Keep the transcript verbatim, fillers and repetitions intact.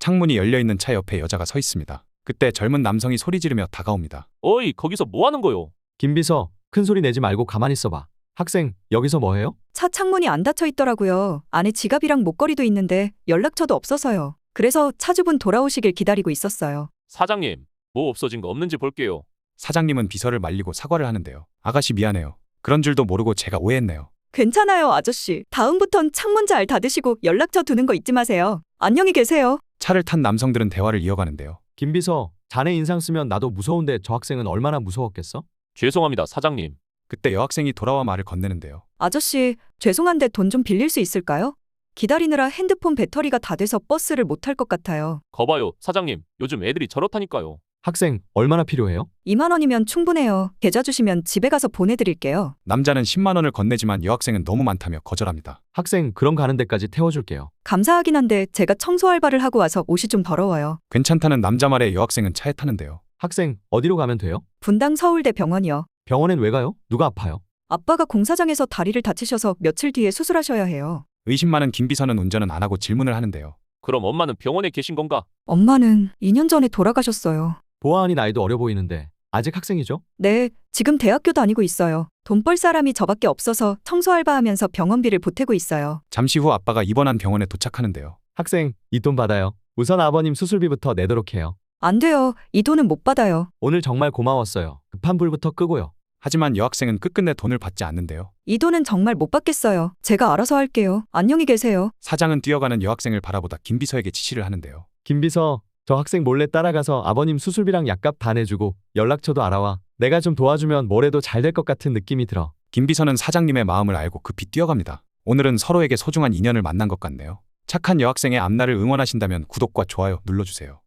창문이 열려있는 차 옆에 여자가 서 있습니다. 그때 젊은 남성이 소리 지르며 다가옵니다. 어이, 거기서 뭐 하는 거요? 김비서, 큰 소리 내지 말고 가만히 있어봐. 학생, 여기서 뭐 해요? 차 창문이 안 닫혀 있더라고요. 안에 지갑이랑 목걸이도 있는데 연락처도 없어서요. 그래서 차주분 돌아오시길 기다리고 있었어요. 사장님, 뭐 없어진 거 없는지 볼게요. 사장님은 비서를 말리고 사과를 하는데요. 아가씨 미안해요. 그런 줄도 모르고 제가 오해했네요. 괜찮아요, 아저씨. 다음부턴 창문 잘 닫으시고 연락처 두는 거 잊지 마세요. 안녕히 계세요. 차를 탄 남성들은 대화를 이어가는데요. 김비서, 자네 인상 쓰면 나도 무서운데 저 학생은 얼마나 무서웠겠어? 죄송합니다, 사장님. 그때 여학생이 돌아와 말을 건네는데요. 아저씨, 죄송한데 돈 좀 빌릴 수 있을까요? 기다리느라 핸드폰 배터리가 다 돼서 버스를 못 탈 것 같아요. 거봐요, 사장님. 요즘 애들이 저렇다니까요. 학생, 얼마나 필요해요? 이만 원이면 충분해요. 계좌 주시면 집에 가서 보내드릴게요. 남자는 십만 원을 건네지만 여학생은 너무 많다며 거절합니다. 학생, 그럼 가는 데까지 태워줄게요. 감사하긴 한데 제가 청소 알바를 하고 와서 옷이 좀 더러워요. 괜찮다는 남자 말에 여학생은 차에 타는데요. 학생, 어디로 가면 돼요? 분당 서울대 병원이요. 병원엔 왜 가요? 누가 아파요? 아빠가 공사장에서 다리를 다치셔서 며칠 뒤에 수술하셔야 해요. 의심 많은 김비서는 운전은 안 하고 질문을 하는데요. 그럼 엄마는 병원에 계신 건가? 엄마는 이 년 전에 돌아가셨어요. 보아하니 나이도 어려 보이는데 아직 학생이죠? 네, 지금 대학교 다니고 있어요. 돈 벌 사람이 저밖에 없어서 청소 알바하면서 병원비를 보태고 있어요. 잠시 후 아빠가 입원한 병원에 도착하는데요. 학생, 이 돈 받아요. 우선 아버님 수술비부터 내도록 해요. 안 돼요. 이 돈은 못 받아요. 오늘 정말 고마웠어요. 급한 불부터 끄고요. 하지만 여학생은 끝끝내 돈을 받지 않는데요. 이 돈은 정말 못 받겠어요. 제가 알아서 할게요. 안녕히 계세요. 사장은 뛰어가는 여학생을 바라보다 김비서에게 지시를 하는데요. 김비서, 저 학생 몰래 따라가서 아버님 수술비랑 약값 다 내주고 연락처도 알아와. 내가 좀 도와주면 뭐래도 잘 될 것 같은 느낌이 들어. 김비서는 사장님의 마음을 알고 급히 뛰어갑니다. 오늘은 서로에게 소중한 인연을 만난 것 같네요. 착한 여학생의 앞날을 응원하신다면 구독과 좋아요 눌러주세요.